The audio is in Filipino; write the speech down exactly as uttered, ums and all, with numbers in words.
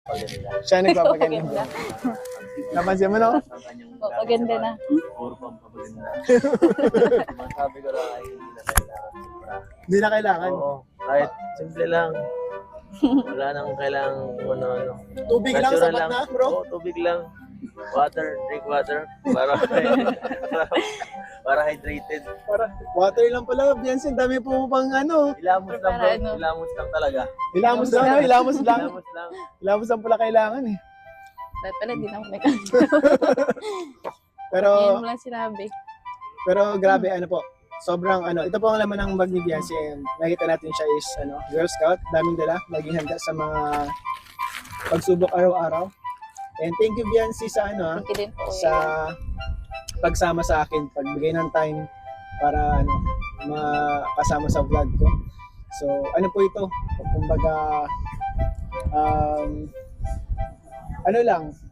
Paganda. Siya nagpapaganda. Napansin mo, no? Ang kanyang Maganda na. puro pampaganda. Masabi ko lang ay hindi na kailangan. Hindi na kailangan. Oo, kahit simple lang. Wala nang kailangan kung ano-ano. Tubig lang, Natural sapat na, bro. Oo, tubig lang. Water, drink water. Para, para hydrated. Para, water lang pala, Biansin. Dami po pang ano. Ilamos lang Para bro. ano? Ilamos lang talaga. Ilamos lang, no? Ilamos lang. Ilamos lang. Ilamos lang pala kailangan eh. Dahil pala, di na ako may Pero, Ngayon mo lang sinabi. pero grabe, ano po. Sobrang ano, ito po ang laman ng bag ni Biansin. Nakita natin siya is ano, Girl Scout, daming dala, naging handa sa mga pagsubok araw-araw. And thank you Bianci sa ano, ah, Thank you din po. sa pagsama sa akin, pagbigay ng time para ano, makasama sa vlog ko. So, ano po ito? Kumbaga um, ano lang,